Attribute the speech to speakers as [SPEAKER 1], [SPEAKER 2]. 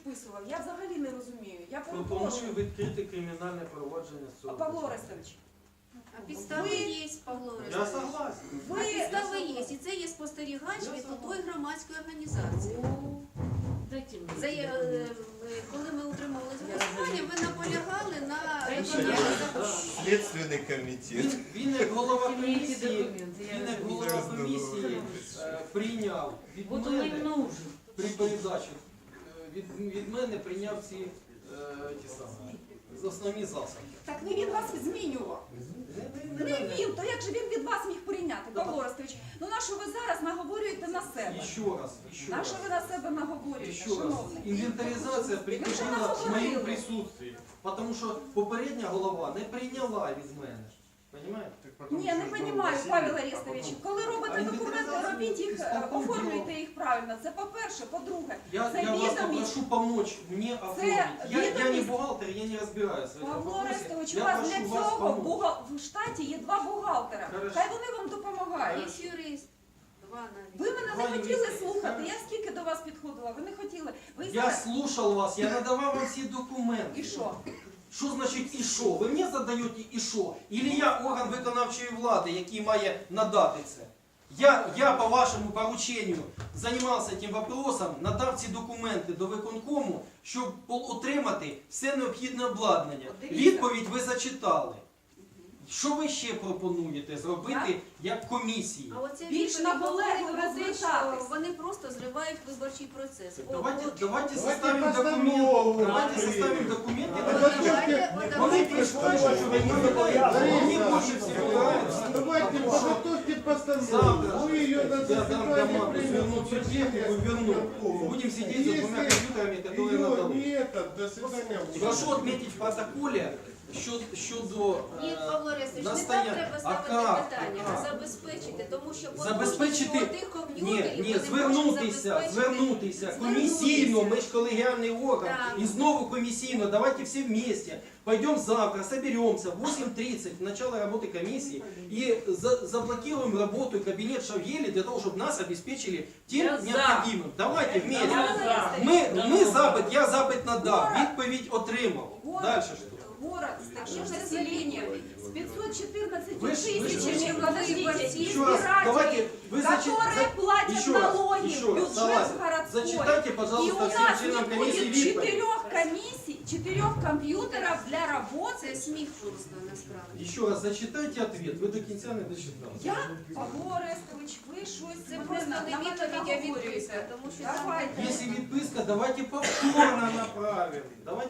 [SPEAKER 1] підписував? Я взагалі не розумію. Я
[SPEAKER 2] Пропоную
[SPEAKER 1] перепрошую.
[SPEAKER 2] відкрити кримінальне провадження з цього.
[SPEAKER 1] Павло Орестович,
[SPEAKER 3] А підстави є, Павло
[SPEAKER 2] Я
[SPEAKER 3] Орестович.
[SPEAKER 2] согласен.
[SPEAKER 3] А підстави є, і це є спостерігач від тої громадської організації. Коли ми утримувалися голосування, ви наполягали на виконанні закону.
[SPEAKER 4] Следственный комитет.
[SPEAKER 2] Він як голова комісії прийняв від мене при передачі від мене прийняв ці ті самі основні засоби.
[SPEAKER 1] так не він вас змінював. Не він, то як же він від вас міг прийняти, Павло Орестович? Ну на що ви зараз наговорюєте на себе?
[SPEAKER 2] Ще
[SPEAKER 1] На
[SPEAKER 2] раз.
[SPEAKER 1] що ви на себе наговорюєте,
[SPEAKER 2] Еще раз.
[SPEAKER 1] шановний?
[SPEAKER 2] Інвентаризація приходила в моєму присутстві, тому що попередня голова не прийняла від мене. Понимаете?
[SPEAKER 1] Ні, не розумію, Павел Орестович. Коли робите документи, робіть їх, оформлюйте їх правильно. Це по-перше. По-друге,
[SPEAKER 2] Я вас
[SPEAKER 1] відомість.
[SPEAKER 2] попрошу помочь мне оформить. Я не
[SPEAKER 1] відомість.
[SPEAKER 2] бухгалтер, я не разбираюсь в этом
[SPEAKER 1] Павло
[SPEAKER 2] вопросе.
[SPEAKER 1] Орестович, у
[SPEAKER 2] Я
[SPEAKER 1] вас
[SPEAKER 2] прошу
[SPEAKER 1] для
[SPEAKER 2] вас
[SPEAKER 1] цього
[SPEAKER 2] помочь.
[SPEAKER 1] в штаті є 2 бухгалтера.
[SPEAKER 2] Хорошо.
[SPEAKER 1] Хай вони вам допомагають.
[SPEAKER 3] Є юрист. Два навіть.
[SPEAKER 1] Ви мене
[SPEAKER 2] Два
[SPEAKER 1] не хотіли
[SPEAKER 2] юриста.
[SPEAKER 1] слухати. Я скільки до вас підходила, ви не хотіли. Ви
[SPEAKER 2] Я
[SPEAKER 1] зараз...
[SPEAKER 2] слушал вас, я надавал вам все документы.
[SPEAKER 1] І що?
[SPEAKER 2] Що значить і що? Ви мені задаєте і що? Ілі я орган виконавчої влади, який має надати це? Я по вашому порученню займався цим вопросом, надав ці документи до виконкому, щоб отримати все необхідне обладнання. Відповідь ви зачитали. Що ви ще пропонуєте зробити як комісії?
[SPEAKER 3] А оце
[SPEAKER 1] Більш
[SPEAKER 3] відповідь
[SPEAKER 1] наполегливо
[SPEAKER 3] говорить про те, що
[SPEAKER 1] звертатись.
[SPEAKER 3] вони просто зривають виборчий процес.
[SPEAKER 2] Давайте составим документы. Давайте составим документы. Вони прийшли, що ви не знаєте. Мені більше всього нравится.
[SPEAKER 5] Давайте подготовьте постанову.
[SPEAKER 2] Завтра
[SPEAKER 5] Вы ее на
[SPEAKER 2] я дам
[SPEAKER 5] заседание
[SPEAKER 2] команду свернуть всю технику и верну. Будем сидеть за двумя компьютерами, которые
[SPEAKER 5] Ее
[SPEAKER 2] надо.
[SPEAKER 5] нет, до свидания.
[SPEAKER 2] Прошу отметить в протоколе щодо
[SPEAKER 3] Ні, Павло Орестович, не так
[SPEAKER 2] настояння.
[SPEAKER 3] треба ставити питання, а забезпечити, тому що
[SPEAKER 2] Забезпечити,
[SPEAKER 3] тих комп'ютерів
[SPEAKER 2] ні,
[SPEAKER 3] вони можуть забезпечити.
[SPEAKER 2] звернутися комісійно, ми ж колегіальний орган,
[SPEAKER 3] Так.
[SPEAKER 2] і знову комісійно, давайте все вместе, пойдем завтра, соберемся в 8:30, в начало работы комиссии, и заблокируем работу кабинет Шавгели для того, чтобы нас обеспечили тем необходимым. Давайте вместе. Ми запит, я запит надав, відповідь отримав. Дальше що?
[SPEAKER 1] Город с таким населением, с 514
[SPEAKER 2] Вы ж-
[SPEAKER 1] тысячами, подождите,
[SPEAKER 2] Еще раз, давайте, вы
[SPEAKER 1] которые платят
[SPEAKER 2] еще раз,
[SPEAKER 1] налоги
[SPEAKER 2] еще
[SPEAKER 1] в
[SPEAKER 2] раз,
[SPEAKER 1] бюджет
[SPEAKER 2] согласен.
[SPEAKER 1] городской.
[SPEAKER 2] Зачитайте,
[SPEAKER 1] И у
[SPEAKER 2] пожалуйста, всем
[SPEAKER 1] нас не
[SPEAKER 2] членам комиссии
[SPEAKER 1] будет
[SPEAKER 2] відповідь.
[SPEAKER 1] 4 комиссий, 4 компьютеров для
[SPEAKER 3] Це
[SPEAKER 1] работы.
[SPEAKER 3] сміх просто насправді.
[SPEAKER 2] Еще раз зачитайте ответ, вы до конца не дочитали.
[SPEAKER 1] Я, Павло Орестович, ви щось
[SPEAKER 3] Це
[SPEAKER 1] мене
[SPEAKER 3] просто не
[SPEAKER 1] на мене
[SPEAKER 3] відповідь, а
[SPEAKER 1] наговорюєте.
[SPEAKER 3] відписка, тому що там
[SPEAKER 1] Давайте.
[SPEAKER 2] Если відписка, давайте повторно направим. Давайте